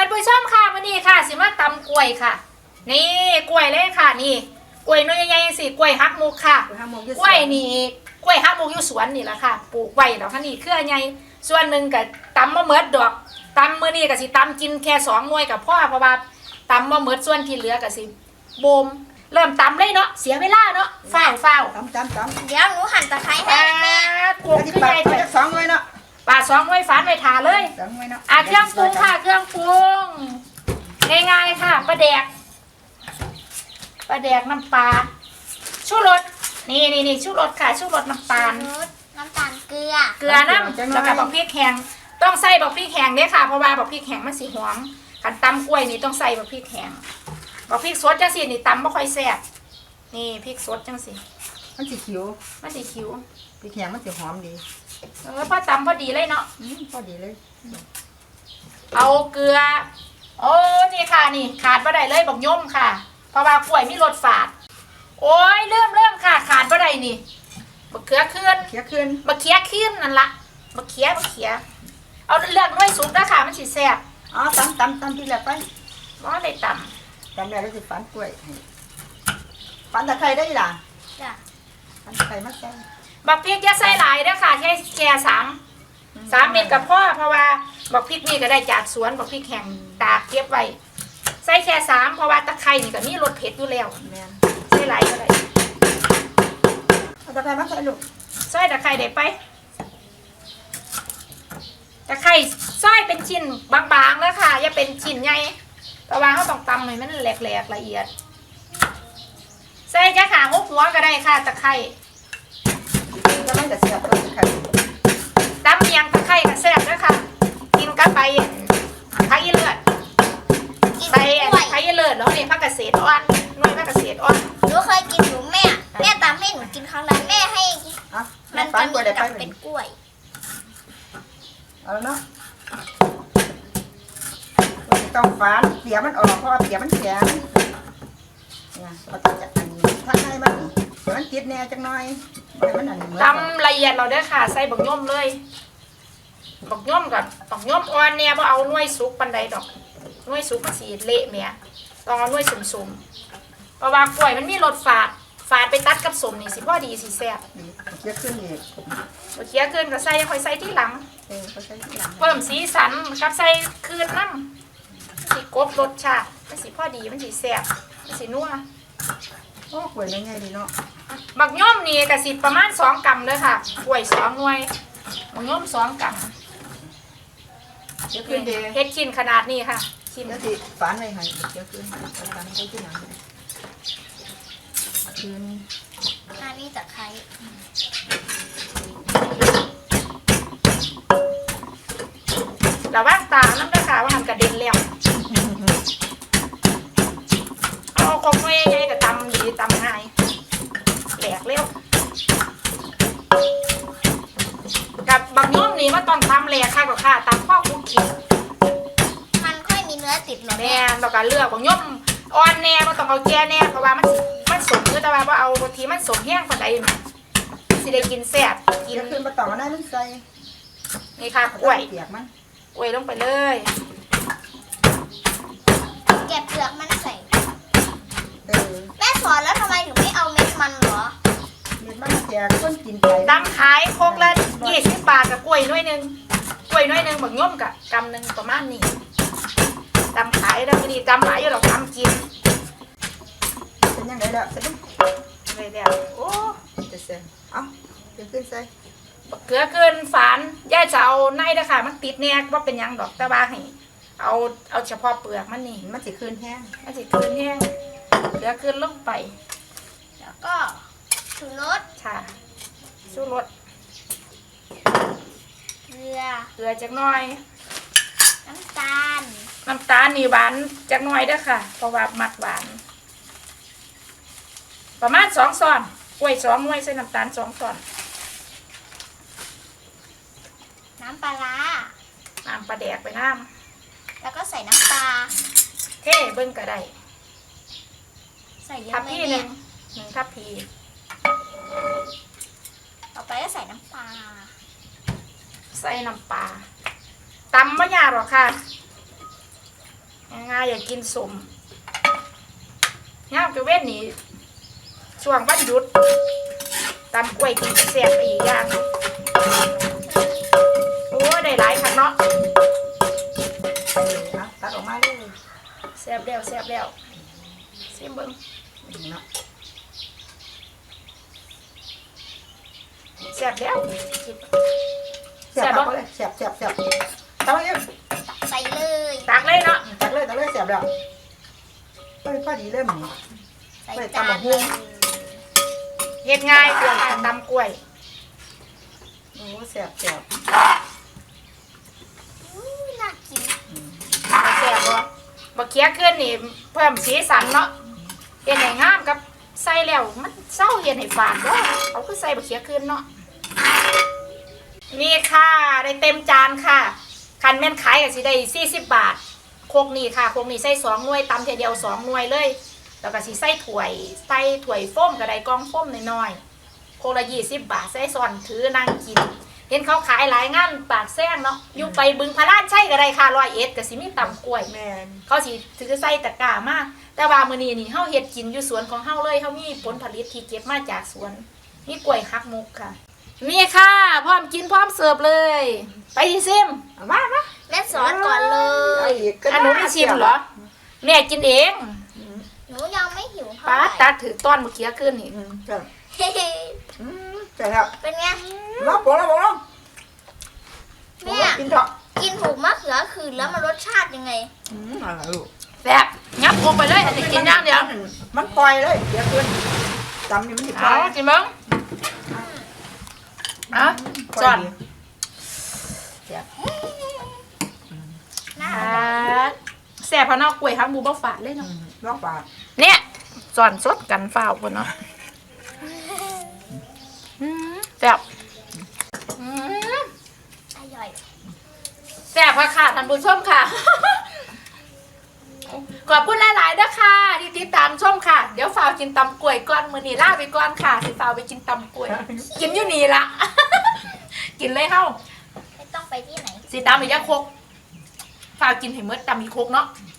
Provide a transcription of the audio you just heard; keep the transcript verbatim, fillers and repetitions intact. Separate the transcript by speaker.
Speaker 1: ผู้ชมค่ะวันนี้ค่ะสิมาตำกล้วยค่ะนี่กล้วยเลยค่ะนี่กล้วยน้อยใหญ่ๆสิกล้วยฮักมุกค่ะกล้วยนี่กล้วยฮักมุกอยู่สวนนี่แหละค่ะปลูกไว้แล้วค่ะนี่เครือใหญ่ส่วนหนึ่งกับตำมะเมิดดอกตำมื้อนี้ก็สิตำกินแค่สองหน่วยกับพ่อเพราะว่าตำมะเมิดส่วนที่เหลือก็สิโบมเริ่มตำเลยเนาะเสียเวลาเนาะฝ้าวฝ้าว
Speaker 2: ตำตำตำ
Speaker 3: เดี๋ยวหนูหั่นตะไคร้ให้แม่
Speaker 1: ปลูกขึ้นใหญ่ไป
Speaker 2: สองหน่วยเนาะ
Speaker 1: ปลาสองหน่วยฝานไว้ทาเลย
Speaker 2: สองหน่วยเนาะ
Speaker 1: อ่ะเครื่องปรุงค่ะเครื่องปรุงง่ายๆค่ะปลาแดกปลาแดกน้ำปลาชูรสนี่นี่นี่ชูรสค่ะชูรสน้ำตาล
Speaker 3: น้ำตาลเกลือ
Speaker 1: เกลือน้ำแล้วก็บอกพริกแห้งต้องใส่บอกพริกแห้งเนี่ยค่ะเพราะว่าบอกพริกแห้งมันสีหอมขันตำกล้วยนี่ต้องใส่บอกพริกแห้งบอกพริกสดจังสินี่ตำไม่ค่อยแซ่บนี่พริกสดจังสิ
Speaker 2: มันสีคิ้ว
Speaker 1: มันสีคิ้ว
Speaker 2: พริกแห้งมันสีหอมดี
Speaker 1: เออพอตำพอดีเลยเนาะ
Speaker 2: พอดีเลย
Speaker 1: เอาเกลือโอ้นี่ค่ะนี่ขาดบ่ได้เลยบอกย่มค่ะเพราะว่ากล้วยมีรสฝาดโอ้ยเริ่มเริ่มค่ะขาดบ่ได้นี่บักเขือขึ้น
Speaker 2: เขียขึ้น
Speaker 1: บักเขียขึ้นนั่นละบักเขียบักเขียเอาเลือกน้อยสุดนะค่ะมันสิแซ่บ
Speaker 2: อ๋อตำตำตำที่แรกไป
Speaker 1: ว่าได้ต
Speaker 2: ำตำแล้วก็สิฝันกล้วยฝันตะไคร้ได้ล่ะ
Speaker 3: จ้ะ
Speaker 2: ฝันตะไคร้มาใส่
Speaker 1: บักพริกอย่าใส่หลายเด้อค่ะแค่แค่สามสามเม็ดกับพ่อเพราะว่าบักพริกนี่ก็ได้จากสวนบักพริกแห้งตากเก็บไว้ใส่แค่สามเพราะว่าตะไคร้นี่ก็มีรสเผ็ดอยู่แล้วใส่หลายก็ได้
Speaker 2: เอาตะไคร้มาใส่ลูก
Speaker 1: ใส่ตะไคร้ได้ไปตะไคร้ซอยเป็นชิ้นบางๆแล้วค่ะอย่าเป็นชิ้นใหญ่เพราะว่าเขาต้องตำให้มันแหลกๆละเอียดใส่จะขาหกหัวก็ได้ค่ะตะไคร้
Speaker 2: ก็ไม่แต่เสียบตะไคร้
Speaker 1: ตำเมียงตะไคร้ก็แซ่บด้วยค่ะกินกับใบไผ่เลือดใบไผ่เลือดแล้วนี่ผักเกษตรอ่อนน้อยผักเกษตรอ่อน
Speaker 3: หนูเคยกินหนูแม่แม่ตำให้หนูกินครั้งนั้นแม่ให้
Speaker 2: มันจะมี
Speaker 3: กับเป็นกล้วย
Speaker 2: เอาแล้วเนาะต้องฟ้าเสียมันออกเพราะเสียมันแข็งเนี่ยเราจะจัดอันนี้ถ้าให้มันเดี๋ยวมันติดแน่จังหน่อยมันอันนี้
Speaker 1: ตำละเอียดเราได้ค่ะใส่บักย่อมเลยบักย่อมกับบักย่อมอ่อนเนี่ยเพราะเอาหน่วยสุกปันใดดอกหน่วยสุกมันสีเละเมียต้องเอาหน่วยสุ่มๆเพราะว่ากล้วยมันมีรสฝาดฝาดไปตัดกับสมนี่สิพ่อดีสิแซ่บ
Speaker 2: เคี้ยวขึ้นอีก
Speaker 1: เคี้ยวขึ้นก็ใส่ค่อยใส่ที่หลังเพิ่มสีสันกับใส่คืนน้ำสิกบรสชาติมันสิพ่อดีมันสิแซ่บมันสินัว
Speaker 2: โอ้กล้วยง่ายๆดีเนาะ
Speaker 1: บักย่อมนี่กระสิประมาณสองกรัมเลยค่ะกล้วยสองหน่วยบักย่อมสองกรัม
Speaker 2: เคี้ยวขึ้นดี
Speaker 1: เฮ็ดชิ้นขนาดนี้ค่ะ
Speaker 2: ชิ้นแล้วสิฝานไว้ให้เคี้ยวขึ้นฝานไว้ที่หลังคืน
Speaker 3: อันนี้ตะไคร้
Speaker 1: ระวังตาน้ำตาขาวว่าหันกระเด็นแล้วเอาคงไม่ใหญ่แต่ตำดีตำง่ายแหลกเร็วกับบางย่อมนี่มันต้องทำแหลกค่ะกับค่ะตำข้อคุกกี้
Speaker 3: มันค่อยมีเนื้อติดหรอ
Speaker 1: แม่เราก็เลือกบางย่อมอ่อนแน่มันต้องเอาแก่แน่เพราะว่ามันมันสมคือแต่ว่าเอาบางทีมันสมแห้งกว่าใดสิได้กินแซ่บ
Speaker 2: กินขึ้นมาต่อได้มันใส่
Speaker 1: นี่ค่ะกล้วย
Speaker 2: เปียกมัน
Speaker 1: กล้วยลงไปเลย
Speaker 3: เก็บเปลือกมันใส่แม่สอนแล้วทำไมถึงไม่เอาเม็ดมันหรอ
Speaker 2: เม็ดมันแจกคนกินไป
Speaker 1: ตำขายโคกละยี่สิบบาทกับกล้วยน้อยหนึ่งกล้วยน้อยหนึ่งบางย่อมกับกำหนึ่งประมาณนี้ตำขายแล้วนี่ตำหลายอยู่หรอกตำกิน
Speaker 2: เป็นยังไงล่ะเสร็จ
Speaker 1: เลยแล้วโอ้
Speaker 2: จะเสร็จเอาเดี๋ยวขึ้นใส่
Speaker 1: เกลือเกินฝานย่าจะเอาในนะค่ะมันติดเนี่ยว่าเป็นยังดอกแต่ว่าให้เอาเอาเฉพาะเปลือกมันนี่
Speaker 2: มันจะคืนแห้ง
Speaker 1: มันจะคืนแห้งเกลือเกินลงไป
Speaker 3: แล้วก็ชูรส
Speaker 1: ค่ะชูรส
Speaker 3: เกลือ
Speaker 1: เกลือจักหน่อย
Speaker 3: น้ำตาล
Speaker 1: น้ำตาลนี่หวานจักหน่อยเด้อค่ะเพราะว่ามักหวานประมาณสองช้อนกล้วยสองหน่วยใส่น้ำตาลสองช้อน
Speaker 3: น้ำปลา
Speaker 1: น้ำปลาแดกไปน้
Speaker 3: ำแล้วก็ใส่น้ำปลา
Speaker 1: เท่เบิ้งก็ได้
Speaker 3: ใส่เยอะ
Speaker 1: ทับพี่หนึ่งหนึ่งทับพี
Speaker 3: ต่อไปก็ใส่น้ำปลา
Speaker 1: ใส่น้ำปลาตำไม่ยากหรอกค่ะอยากกินสมย่ามกระเว้นนี่ช่วงวันหยุดตำกล้วยกินแซ่บอีกอย่างโอ้ได้หลายคันเนาะ
Speaker 2: นะตัดออกมาเลย
Speaker 1: แซ่บแล้วแซ่บแล้วซิมเบิ้ง
Speaker 2: เนาะ
Speaker 1: แซ่บแล้ว
Speaker 2: เสียบตักเลยเสียบเสียบเสียบตักเลย
Speaker 3: ใส่เลย
Speaker 1: ตักเลยเนาะ
Speaker 2: ตักเลยตักเลยเสียบแล้วเฮ้ยพอดีเลยหมึง
Speaker 3: ใส่จานเลย
Speaker 1: เฮ็ดง่ายเพื่อการตำกล้วย
Speaker 2: โอ้เสียบเสียบ
Speaker 3: อู้น่ากิน
Speaker 1: แซ่บบ่บ่เคี้ยขึ้นนี่เพิ่มสีสันเนาะเฮ็ดให้งามกับใส่แล้วมันเศร้าเฮ็ดให้ฝาดเด้อเอาคือใส่บ่เคี้ยขึ้นเนาะนี่ค่ะได้เต็มจานค่ะคันแม่นขายก็สิได้สี่สิบบาทโคกนี่ค่ะโคกนี่ใส่สองหน่วยตำเทียเดียวสองหน่วยเลยแล้วก็สิใส่ถ้วยใส่ถ้วยโฟมก็ได้กล่องโฟมน้อยๆโคกละยี่สิบบาทใส่ซ้อนถือนั่งกินเห็นเขาขายหลายงานปากแซงเนาะอยู่ไปบึงพระลานใช่ก็ได้ค่ะร้อยเอ็ดก็สิมีตำกล้วย
Speaker 2: แม่น
Speaker 1: เขาสิถือใส่ตะกร้ามาแต่ว่ามื้อนี้นี่เฮาเฮ็ดกินอยู่สวนของเฮาเลยเฮามีผลผลิตที่เก็บมาจากสวนมีกล้วยฮักมุกค่ะนี่ค่ะพร้อมกินพร้อมเสิร์ฟเลย ไปซิม
Speaker 2: เอามามา
Speaker 3: แม่สอนก่อนเลย
Speaker 1: อันหนูไม่ชิมเหรอแม่กินเอง
Speaker 3: หนูยังไม่หิวเท่า
Speaker 1: ป้า
Speaker 3: ไหร่
Speaker 1: ตาถือต้อนเมื่อกี้ขึ้นนี่
Speaker 2: อืมเสียบ
Speaker 3: เฮ้ย
Speaker 2: อืมเสียบแล้ว
Speaker 3: เป็นไง
Speaker 2: ลองปลงลองปลงลอง
Speaker 3: แม่
Speaker 2: กินเถอะ
Speaker 3: กินถูกมะเขือคืนแล้วมันรสชาติยังไง
Speaker 2: อืมอะไรลูก
Speaker 1: แซ่บงับลงไปเลยอันนี้กินอย่างเดียว
Speaker 2: มันปล่อยเลยเดี๋ยวขึ้นจำนี่มันติดปล่
Speaker 1: เอา
Speaker 2: อย
Speaker 1: กินมั้งอ่ะจอน
Speaker 3: น่า
Speaker 1: อ่าแซ่บเพราะเนอกกล้วยฮักมูบ่ฝาดเลย
Speaker 2: อื
Speaker 1: เนาะ
Speaker 2: มลองปลา
Speaker 1: เนี่ยจอนสดกันฝ้าวคนเนาะอืมแซ่บอืม
Speaker 3: อร่อย
Speaker 1: แซ่บค่ะค่ะท่านผู้ชมค่ะ ขอบคุณหลายๆด้วยค่ะที่ติดตามชมค่ะ เดี๋ยวฝากกินตำกล้วยก่อนมื้อนี้ลาไปก่อนค่ะสิฝากไปกินตำกล้วย กินอยู่นี่ละ กินเลยเฮ้า
Speaker 3: ไม่ต้องไปที่ไหน
Speaker 1: สิตำอีกจะครกฝากกินให้หมดตำอีกครกเนาะ
Speaker 2: อ